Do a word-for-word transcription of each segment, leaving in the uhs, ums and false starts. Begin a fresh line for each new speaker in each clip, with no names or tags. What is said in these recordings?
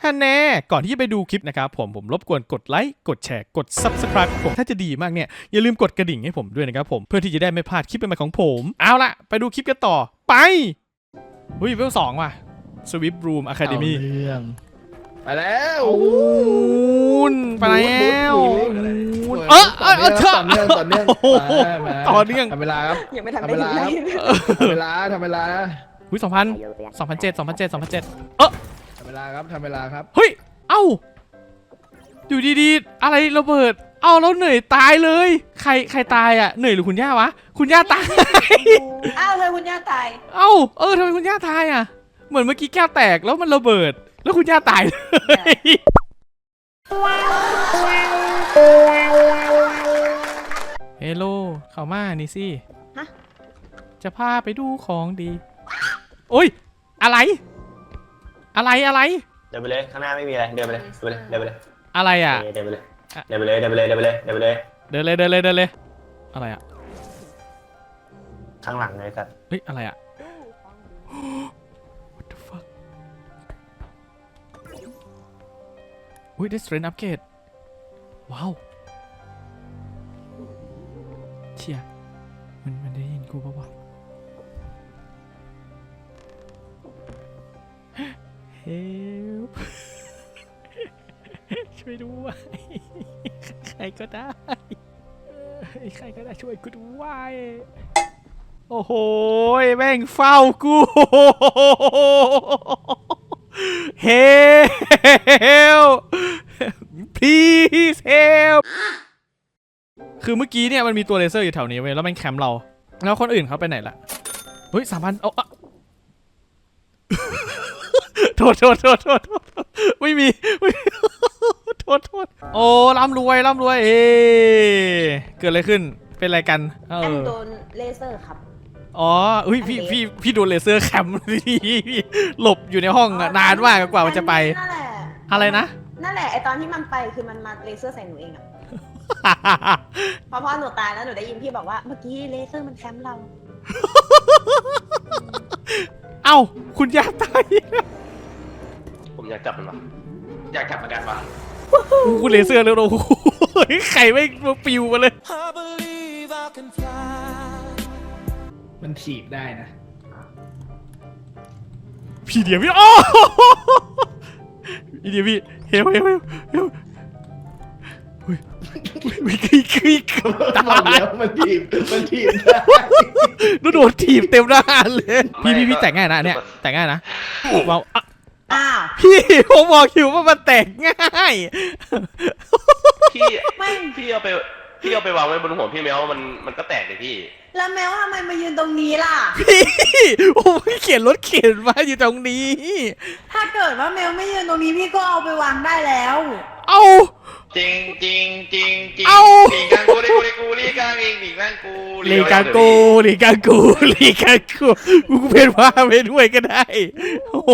ฮันแน่ก่อนที่จะไปดูคลิปนะครับผมผมรบกวนกดไลค์กดแชร์กด ซับสไครบ์ ผมถ้าจะดีมากเนี่ยอย่าลืมกดกระดิ่งให้ผมด้วยนะครับผมเพื่อที่จะได้ไม่พลาดคลิปใหม่ๆของผมเอาละไปดูคลิปกันต่อไปเฮ้ยเวลสองว่ะ Swift Room Academy
เรื่องไปแล้ว
อูนไปแล้วเออเออเออเธอ
ต่อเนื่องต่อเนื่อง
ต่อเนื่อง
ทำเวลาครับ
ยังไม่ทัน
ทำ
ได้
เว
ยิ
ลาน
เล
ครับ
ย
ทำเวลาทำเวลา
อุ้ยสองพันสองพันเจ็ดสองพันเจ็ดสองพันเจ็ดเออ
ทำเวลาครับทำเวลาครับ
เฮ้ยเอ้าอยู่ดีๆอะไรระเบิดเอ้าแล้วเหนื่อยตายเลยใครใครตายอ่ะเหนื่อยหรือคุณย่าวะคุณย่าตาย
อ้าวเธอคุณย่าตาย
เอ้าเออทำไมคุณย่าตายอ่ะเหมือนเมื่อกี้แก้วแตกแล้วมันระเบิดแล้วคุณย่าตายเลยเฮลโลเข้ามานี่สิ
ฮะ
จะพาไปดูของดีโอ้ยอะไรอะไรอะไร
เดินไปเลยข้างหน้าไม่มีอะไรเดินไปเลยเดินไปเลยเดินไปเลย
อะไรอ่ะ
เดินไปเลยเดินไปเลยเดินไปเลยเดินไปเลยเดินไปเลย
เดินเลยเดินเลยเดินเลยอะไรอ่ะ
ข้างหลังเลยสัตว์
เฮ้ยอะไรอ่ะ What the fuck อุ้ยได้ strength upgrade ว้าวเชี่ยมันมันได้ยินกูป่าวะ Help ช่วยด้วยใครก็ได้ใครก็ได้ช่วยกูด้วยโอ้โหแม่งเฝ้ากู Help please help คือเมื่อกี้เนี่ยมันมีตัวเลเซอร์อยู่แถวนี้เว้ยแล้วมันแคมป์เราแล้วคนอื่นเขาไปไหนล่ะเฮ้ยสามพันเอาอะ โทษโทษโทษโทษไม่มีไม่มีโทษโทษโอ้ร่ำรวยร่ำรวยเอ๊เกิดอะไรขึ้นเป็นอะไรกันเอ
อัน
อ
โดนเลเซอร์ครับ
อ๋ออุ้ยพี่พี่พี่โดนเลเซอร์แคมป์พี่หลบอยู่ในห้องอะนานมากกว่ามันจะไป
นั่นแหละ
อะไรนะ
นั่นแหละไอตอนที่มันไปคือมันมาเลเซอร์ใส่หนูเองอะพอพ่อหนูตายแล้วหนูได้ยินพี่บอกว่าเมื่อกี้เลเซอร์มันแคมป์เรา
เอ้าคุณย่าตาย
ผมอยากจับมันวะอยากจับเหมือนกันวะ
คุณเลเซอร์แล้วโอ้โหไข่ไม่มาปิวมาเลย
มันถีบได้นะ
พี่เดียวพี่โอ้พี่เดียวพี่เฮลเฮลเฮลเฮลเฮ้ยวิกวิกวิกตา
บอก
ย
แล้วมันถีบมันถีบได้
โดนถีบเต็มหน้าเลยพี่พี่พี่แต่งง่ายนะเนี่ยแต่งง่ายนะว้าว
อ้าว
พี่ผมบอกอยู่ว่ามันแต่งง่าย
พี่
ไม่
พี่เอาไปพี่เอาไปวางไว้บนหัวพี่แมวมันมันก็แตกเลยพี่
แล้วแมวทำไมมายืนตรงนี้ล่ะ
พี่ผมเขียนรถเข็นมาอยู่ตรงนี้
ถ้าเกิดว่าแมวไม่ยืนตรงนี้พี่ก็เอาไปวางได้แล้ว
เอา
จริงจริงจริงจริง
เอ้า
หลีกังกูลีกูลีกูลีกังเองหลีกังกู
ลีกากูลีกากูลีกากูกูเป็นว่าไปด้วยก็ได้โอ้โห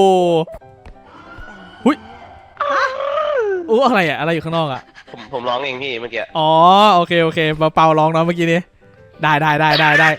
หุยโอ้อะไรอะอะไรอยู่ข้างนอกอะ
ผมผมร้องเองพี่เมื่อกี้
อ๋อโอเคโอเคมาเป่าร้องเนาะเมื่อกี้นี้ได้ได้ได้ได้ได้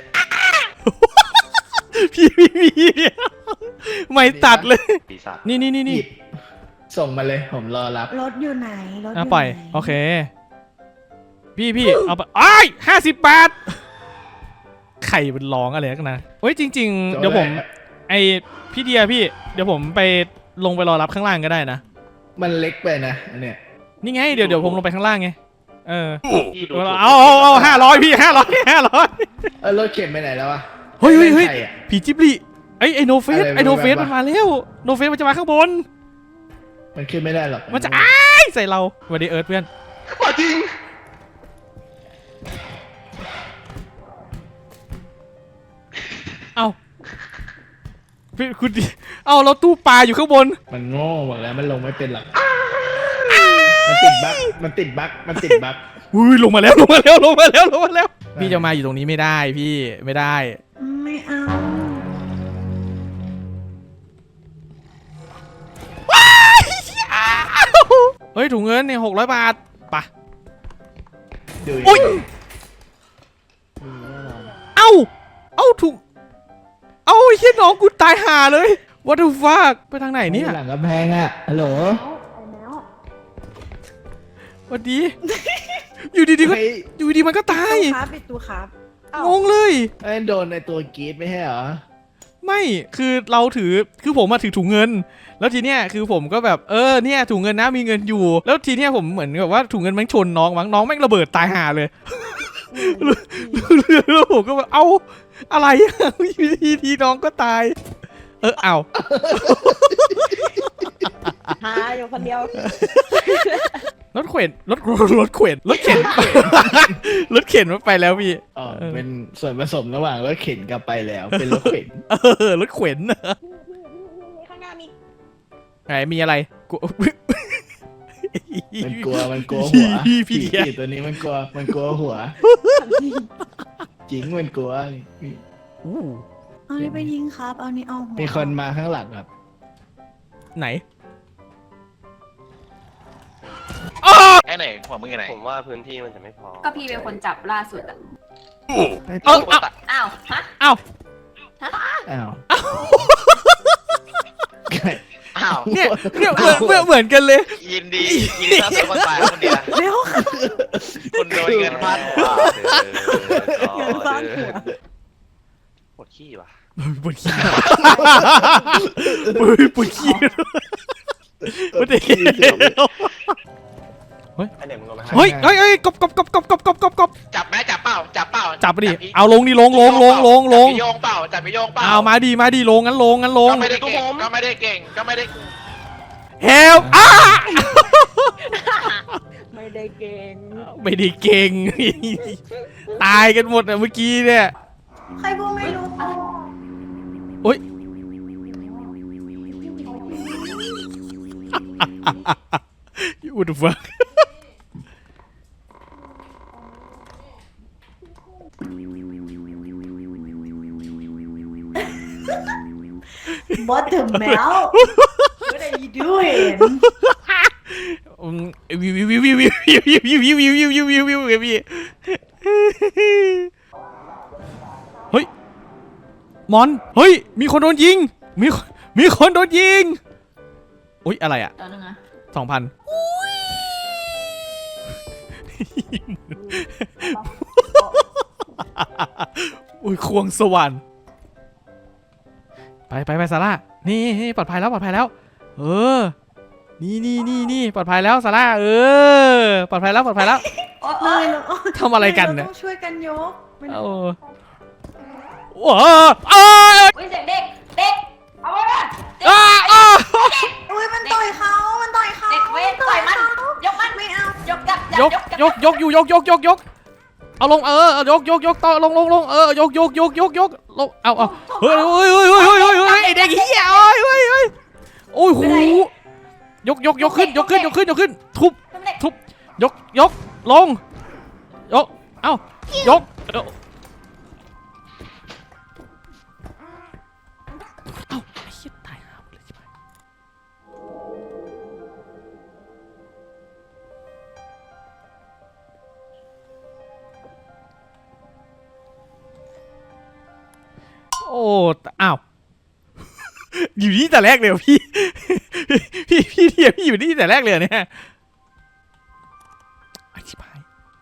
พี่พี่พี่ไม่ตัดเลย
ปีศาจ
นี่นี่นี่
ห
นี่
ยิบส่งมาเลยผมรอรับ
รถอยู่ไหนรถอ
อ่ะ
ยู่
ปล่อย
ไหน
โอเคพี่พี่เอาไปอ้ายห้าสิบบาทไข่มันร้องอะไรกันนะเฮ้ยจริง ๆ เดี๋ยวผมไอพี่เดียพี่เดี๋ยวผมไปลงไปรอรับข้างล่างก็ได้นะ
มันเล็กไปนะอันเนี่ย
นี่ไงเดี๋ยวเดี๋ยวผมลงไปข้างล่างไงเออ
พี่ดู
เอาเอาเอาห้าร้อยพี่ห้าร้อยห้าร้อย
เออรถเข็นไปไหนแล้ววะ
เฮ้ยเฮ้ยเฮ้ย
ใครอะ
ผีจิบลิไอไอโนเฟส
อะไร
ไอโนเฟส
แบบ
มัน
วะ
มาแล้วโนเฟสมันจะมาข้างบน
มันขึ้นไม่ได้หรอก
มันจะอ้ายใส่เราสวัสดีเอิร์ธเพื่อน
ว่าจริง
เอาพี่คุณดิเอาเราตู้ปลาอยู่ข้างบน
มันโง่หมดแล้วมันลงไม่เป็นหรอกมันติดบั๊กมันติดบั๊กมันติดบั๊ก
อุ้ยลงมาแล้วลงมาแล้วลงมาแล้วลงมาแล้วพี่จะมาอยู่ตรงนี้ไม่ได้พี่ไม่ได้
ไม่เอา
เฮ้ยถุงเงินเนี่ยหกร้อยบาทปะ
ดู
อุ๊ย เอ้าเอ้าถุงเอ้าไอ้เหี้ยน้องกูตายห่าเลย what the fuck ไปทางไหนเนี่ย
หลังกำแพงอ่ะฮัลโหล
ไปแล้ว
สวัสดี อยู่ดีๆก็
เฮ้ย
อยู่ดีๆมันก็ตาย
ครับปิดตัวครับ
งงเลย
ไอ้โดนในตัวกรีดไม่ใช่เหรอ
ไม่คือเราถือคือผมมาถือถุงเงิน แล้วทีเนี้ยคือผมก็แบบเออเนี่ยถุงเงินนะมีเงินอยู่ แล้วทีเนี้ยผมเหมือนกับว่าถุงเงินแม่งชนน้องมั้งน้องแม่งระเบิดตายห่าเลยแล้วผมก็แบบเอ้าอะไรอยู่ดีทีน้องก็ตาย เออเอา
หาอยู่คนเดียว
รถเข็นรถรถเข็นรถเข็น รถเข็นมันไปแล้วพี่
อ๋อเป็นส่วนผสมระหว่างรถเข็นกับไปแล้ว เป็นรถเข็น
เออรถเข็น
ข้างหน้ามี
ไหนมีอะไรกู
มันกลัวมันกลัวหัว
พี่พี่
ผีผีตัวนี้มันกลัวมันกลัวหัว จริงมันกลัว
อู้
เอานี่ไปยิงครับ เอานี่เอาหัว
มีคนมาข้างหลังครับ
ไหน
ไอ้ไหนหัวมึงอยู่ไหน
ผมว่าพื้นที่มันจะไม่พอ
ก็พี่เป็นคนจับล่าสุดอ่ะ
เออเอา
อ้าว ฮะ
เอา
อ้าว
อ้าว
เนี่ยเนี่ยเหมือนเหมือนเหมือนกันเลย
ยินดียินดีต้อนรับคนตายคนเดียว
เร็วค่ะ
คุณโดนเงินพันหัว
เงินฟาดหัว
ปวดขี้ว่ะ
ปวดขี้ปวดปวดขี้ปวดขี้
ไอเด็กมึงเอาไปให้
เฮ้ยเฮ้ยเฮ้ยกบกบกบกบกบกบกบกบ
จับไหมจับเปล่าจับเปล่า
จับไปดิเอาลงดิลงลงลงลงลง
จับไปโยงเปล่าจับไปโยงเปล่า
เอามาดีมาดีลงงั้นลงงั้นลง
ก็ไม่ได้เก่งก็ไม่ได้เก่งก็ไม่ได้
เฮลอ้า
ไม่ได้เก่ง
ไม่ได้เก่ง ตายกันหมดอะเมื่อกี้เนี่ย
ใครพูดไม่รู้
โอ๊ย What the fuck
บอสถึงแมว What are you doing
อืมวิววิววิววิววิววิววิววิววิววิววิววิววิววิวเฮ้ยมอนเฮ้ยมีคนโดนยิงมีมีคนโดนยิงอุ้ยอะไรอะ
ตอนนึงนะ
สองพันอุ้ยควงสวรรค์ไปไปไปซาร่านี่นี่ปลอดภัยแล้วปลอดภัยแล้ว เออ นี่นี่นี่นี่ปลอดภัยแล้วซาร่าเออปลอดภัยแล้วปลอดภัยแล้ว
โอ๊ย
เลยเรา
ทำอะไรกันเนี่ย
ราต้องช่วยกันยกมัน
โอ้โหอ้า
อุ๊ยเสียงเด็ก เด็ก เอาไว้ก่อน
อ้าอ้า
อุ้ยมันต่อยเขามันต่อยเขา
เด็กเว้ยต่อยมัน ยกมัน
ไม่เอา
ยกจับจับ
ยก
ยกจับ
ยกยกอยู่ยกยกยกยกเอาลงเออยกยกยกต่อลงลงลงเออยกยกยกยกยกลงเอาเอาเฮ้ยเฮ้ยเฮ้ยเฮ้ยเฮ้ยเฮ้ยไอเด็กเหี้ยโอ้ยเฮ้ยเฮ้ยโอ้ยหูยกยกยกขึ้นยกขึ้นยกขึ้นยกขึ้นทุบ
เป็นเด็ก
ทุบยกยกลงยกเอ้ายกเอ้าเอ้าไอ้เหี้ยตายห่าหมดเลยใช่ไหมโอ้อ้าวอยู่นี่แต่แรกเลยเหรอพี่ พี่พี่เทียพี่อยู่นี่แต่แรกเลยเหรอเนี่ยไอ้ชิบหาย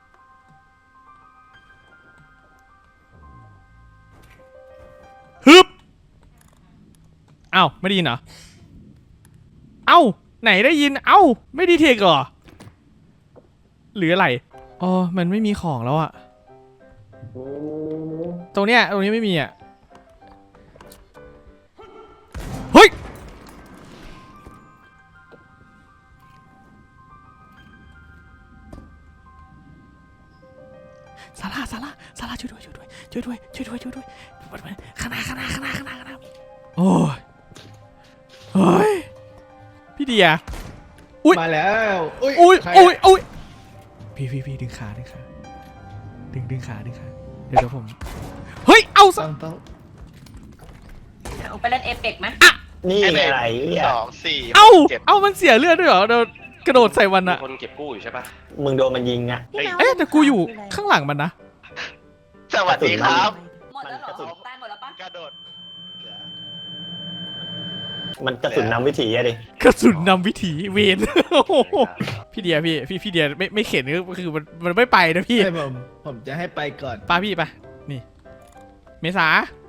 ฮึบเอ้าไม่ได้ยินเหรอเอ้าไหนได้ยินเอ้าไม่ดีเทคเหรอหรืออะไรอ๋อมันไม่มีของแล้วอะตรงเนี้ยตรงนี้ไม่มีอะเฮ้ยซาร่าซาร่าซาร่าช่วยด้วยช่วยด้วยช่วยด้วยช่วยด้วยช่วยด้วยข้างหน้าข้างหน้าข้างหน้าข้างหน้าข้างหน้าโอ้ยเฮ้ยพี่เดียอุ้ย
มาแล้วอุ้ย
อุ้ย
ใคร
อุ้ยอุ้ยพี่พี่พี่ดึงขาดึงขาดึงดึงขาดึงขาเดี๋ยวเดี๋ยวผมเฮ้ยเอาซะ
ต้องต้อง
เอาไปเล่นเอเปกไหม
นี่
ไอ้
ไง
ไหนสองสี่
เอ้า
เจ็ด
เอ้ามันเสียเลือดด้วยเหรอเดี๋ยวกระโดดใส่มัน
มี
อะ
คนเก็บกู้อยู่ใช่ปะ
มึงโดนมันยิงอ่ะ
พี่แมว
เอ๊ะแต่กูอยู่ข้างหลังมันนะ
สวัสดีครับ
หมดแล้วเหรอตายหมดแล้วปะ
กระโดด
มันกระสุนนำวิถีอะดิ
กระสุนนำวิถีเวน พี่เดียพี่พี่พี่เดียไม่ไม่เข็นก็คือมันมันไม่ไปนะพี่
ให้ผมผมจะให้ไปก่อน
ป้าพี่ไปนี่ เมษา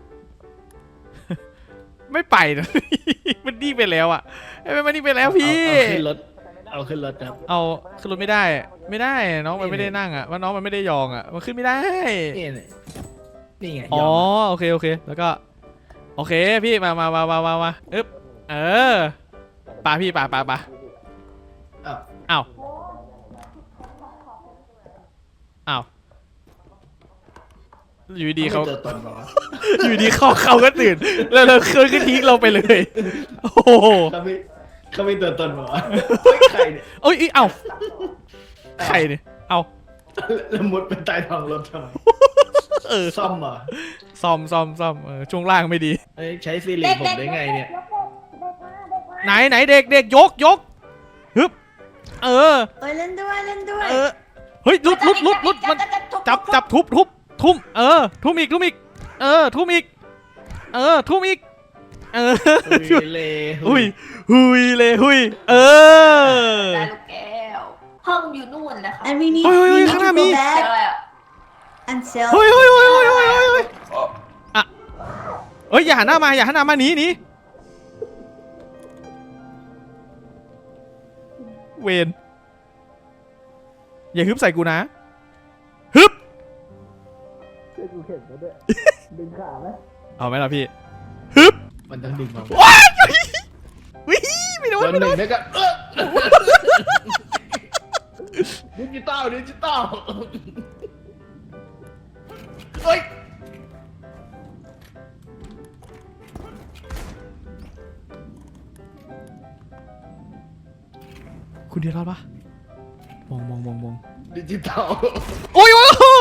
ไม่ไปนะ มันนี่ไปแล้วอ่ะไอ้ยมันนี่ไปแล้วพี่
เอาขึ้นรถเอาขึ้นรถครับ
เอาขึ้นรถไม่ได้ ไม่ได้น้องมันไม่ได้นั่งอ่ะว่าน้องมันไม่ได้ยองอ่ะมันขึ้นไม่ได้
นี่ไงนี่ไง
อ๋
ย
อ
อม
โอเคโอเคแล้วก็โอเคพี่มามามามามามาอึ๊บเออปาพี่ปาปาปา
อ้าว
อ้าวอ้าวอยู่ดีๆเขา
ไม่เจอตนเหรอ
อยู่ดีเขาเขาก็ตื่น แล้วเราเคยก็ทิ้งเราไปเลย โอ้โห
เขาไม่เขาไม่ตัวตนเหรอเฮ้ยใครเนี่ย
เอ้ยเอ้ยเอ้าใครเนี่ยเอา
แล้วมุดเป็นใต้ท้องรถทำไม
เออ
ซ่อมเหรอ
ซ่อมซ่อมซ่อมเออช่วงล่างไม่ดี
เอ้ยใช้ซีรีส์ผมได้ไงเนี่ย
ไหนไหนเด็กเด็กยกยกฮึบเออ
เอ้ยเล่นด้วยเล่นด้วย
เออเฮ้ยลุดลุดลุดลุดมันจับจับทุบทุบทุ่มเออทุ่มอีกทุ่มอีกเออทุ่มอีกเออทุ่มอีกเออ
หุยเลย
หุยหุยเลยหุยเออ
ได้ลูกแก้ว ห้องอยู่นู่นนะคะ
and we need
เฮ้ยเฮ้ย
we
เฮ้ย
need
ข้าง
to
หน้ามี
go
เจ
back
ออะไรอ่ะ
and sell
เฮ้ยเฮ้ยเฮ้ยเฮ้ยเฮ้ยเฮ้ยเฮ้ยอ่ะเฮ้ยอย่าหันหน้ามาอย่าหันหน้ามาหนีหนีเวนอย่าฮึบใส่กูนะฮึบ
กูเข็นมาด้วยดึงขาไหม
เอาไหมล่ะพี่ฮึบ
มันต้องดึงมา
ว้ายวิไม่โด
โด
น
น
ไม่
ห
โด
นึ่ง
น
แล้วก็เออดิจิตอลดิจิตอลเฮ้ย
คุณเดียรอดปะมองมองมองมอง
ดิจิตอล
โอ้ยโอ้ยโอ้